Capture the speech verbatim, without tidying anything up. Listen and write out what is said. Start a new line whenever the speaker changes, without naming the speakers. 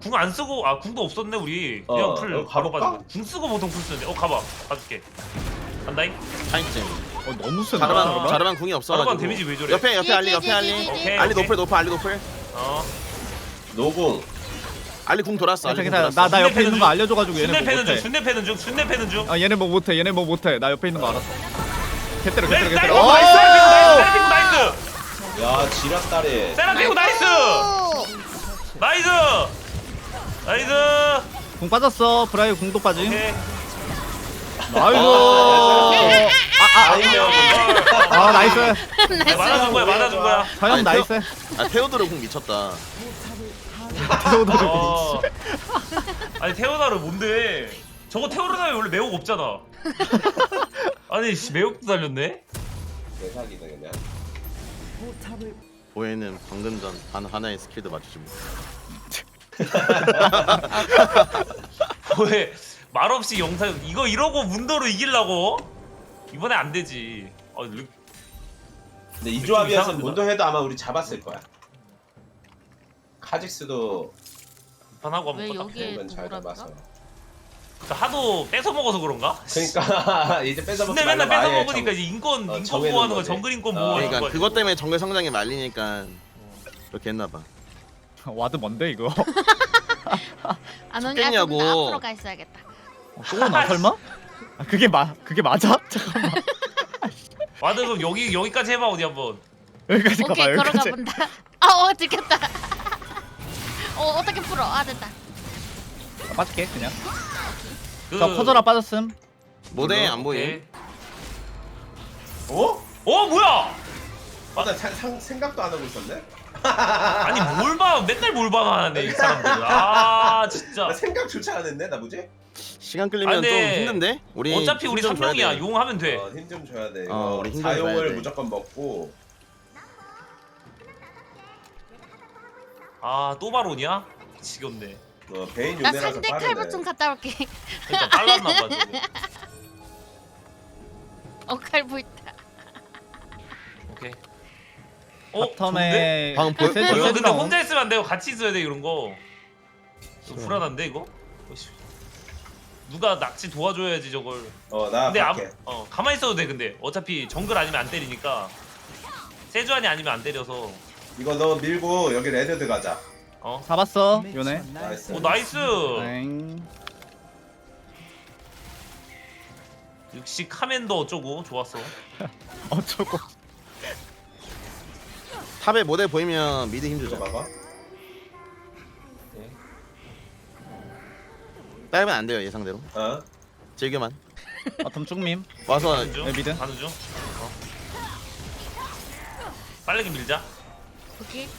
궁 안 쓰고 아 궁도 없었네 우리. 그냥
어,
풀
어,
바로
가볼까?
가지고. 궁 쓰고 보통 풀 쓰는데. 어 가봐. 가줄게. 간다잉.
타임쯤.
어 너무 센다.
자르반
자르반?
자르반 궁이 없어가지고.
자르반 데미지 왜 저래?
옆에 옆에 알리 옆에 알리.
오케이,
알리
오케이.
노플 노플 알리 노플.
어.
노공.
알리 궁 돌았어. 알리 궁
괜찮아.
돌았어.
나나 옆에
순대
있는 거 알려줘가지고 얘네
순대
뭐
패는 중.
못해.
순대 패는 중. 순대 패는 중.
아 얘네 뭐 못해. 얘네 뭐 못해. 나 옆에 있는 거 알았어. 개때려
네,
개때려
나이스
개때려.
나이스 나이스 나이스.
야 지략다리.
세라피고 나이스. 나이스. 나이스.
공 빠졌어. 브라이 공도 빠짐.
오케이.
나이스.
아니면
아 나이스.
야, 맞아준 거야 맞아준 거야.
서영
아니,
나이스.
아 테오도르 궁 미쳤다.
테오도르
어. 아니 테오나르 뭔데? 저거 테오나르 원래 매혹 없잖아. 아니 씨 매혹도 달렸네.
대사기다 그냥.
보에는 방금 전 단 하나의 스킬도 맞추지 못.
왜 말없이 영상 이거 이러고 문도로 이기려고? 이번에 안 되지. 어, 르...
근데 이 조합이어서
이상한데,
문도 해도 아마 우리 잡았을 거야. 카직스도
판하고
왜
한번 껐다.
여기에
이건 잘
도구랍니까?
잡아서.
하도 뺏어 먹어서 그런가?
그러니까 이제 뺏어 먹지
근데 맨날
말라고
뺏어
아예
먹으니까
정-
이제 인권
어,
인권
정해놓은
보호하는 거
거지.
정글 인권
어.
보호하는
그러니까
거.
그것 때문에 정글 성장에 말리니까 그렇게 했나봐.
와드 뭔데 이거?
안 오냐? 그럼
죽겠냐고.
나 앞으로 가 있어야겠다.
또나 설마? 아 그게 마 그게 맞아? 잠깐만.
와드 그럼 여기 여기까지 해봐 어디 한번.
여기까지 가봐
오케이 걸어가
여기까지.
본다. 아, 어 들켰다. 어 어떻게 풀어? 아 됐다.
아, 빠질게 그냥.
그...
자 커져라 빠졌음.
모델 안 보임.
오케이.
어?
어 뭐야?
아, 나 사- 상- 생각도 안 하고 있었네.
아니 뭘 봐? 맨날 뭘 봐하네 이 사람들. 아 진짜.
나 생각조차 안 했네. 나 뭐지?
시간 끌리면
아,
좀
근데
힘든데? 우리
어차피 우리
힘좀
삼 명이야.
줘야 돼.
용 하면 돼.
어, 힘 좀 줘야 돼. 이거
어, 우리 힘좀 줘야
사용을
돼.
무조건 먹고.
아 또 바론이야? 지겹네.
어, 베인
나
요네라서
상대
빠르네.
칼부 좀 갔다 올게.
그러니까 빨랐나 봐. 저거.
어 칼부 있다.
오케이. 어? 좋은데?
바텀에
방금 보여-
세주
이거
보여?
근데
세주랑
혼자 있으면 안 되고 같이 있어야 돼 이런 거. 이거
싫어.
불안한데 이거? 어이씨. 누가 낚시 도와줘야지 저걸.
어, 나
근데 아무,
갈게.
어 가만히 있어도 돼 근데 어차피 정글 아니면 안 때리니까. 세주안이 아니면 안 때려서.
이거 너 밀고 여기 레드드 가자.
어?
잡았어 요네.
나이스.
오 나이스.
엥.
역시 카멘도 어쩌고 좋았어.
어쩌고.
탑에 모델 보이면 미드 힘
이거
주자.
봐봐.
네.
딸면 안 돼요 예상대로.
어.
즐겨만.
바텀 쭉밈.
와서
가는 중.
네, 미드.
가는 중. 어. 빠르게 밀자.
오케이.